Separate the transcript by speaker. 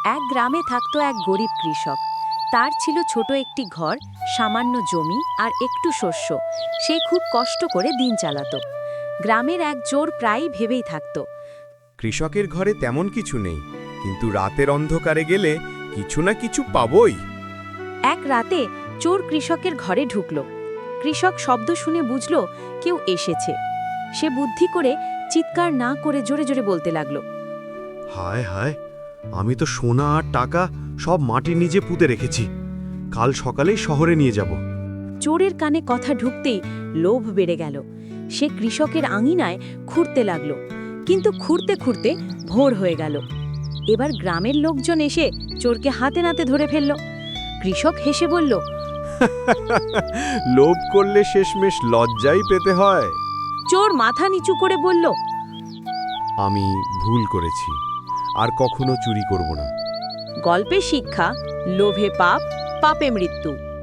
Speaker 1: এক গ্রামে থাকতো এক গরিব কৃষক। তার ছিল ছোট একটি ঘর, সামান্য জমি আর একটু শস্য। সে খুব কষ্ট করে দিন চালাতো। গ্রামের এক চোর প্রায়ই ভেবেই থাকতো,
Speaker 2: কৃষকের ঘরে তেমন কিছু নেই, কিন্তু রাতের অন্ধকারে গেলে কিছু না কিছু পাবই।
Speaker 1: এক রাতে চোর কৃষকের ঘরে ঢুকল। কৃষক শব্দ শুনে বুঝল কেউ এসেছে। সে বুদ্ধি করে চিৎকার না করে জোরে জোরে বলতে লাগলো,
Speaker 3: হায় হায়, আমি তো সোনা আর টাকা সব মাটির নিচে পুঁতে রেখেছি। কাল সকালেই শহরে নিয়ে যাব।
Speaker 1: চোরের কানে কথা ঢুকতেই লোভ বেড়ে গেল। সে কৃষকের আঙিনায় খুঁড়তে লাগল, কিন্তু খুঁড়তে খুঁড়তে ভোর হয়ে গেল। এবার গ্রামের লোকজন এসে চোরকে হাতে নাতে ধরে ফেলল। কৃষক হেসে বলল,
Speaker 2: লোভ করলে শেষমেশ লজ্জাই পেতে হয়।
Speaker 1: চোর মাথা নিচু করে বলল,
Speaker 2: আমি ভুল করেছি, আর কখনো চুরি করব না।
Speaker 1: গল্পের শিক্ষা, লোভে পাপ, পাপে মৃত্যু।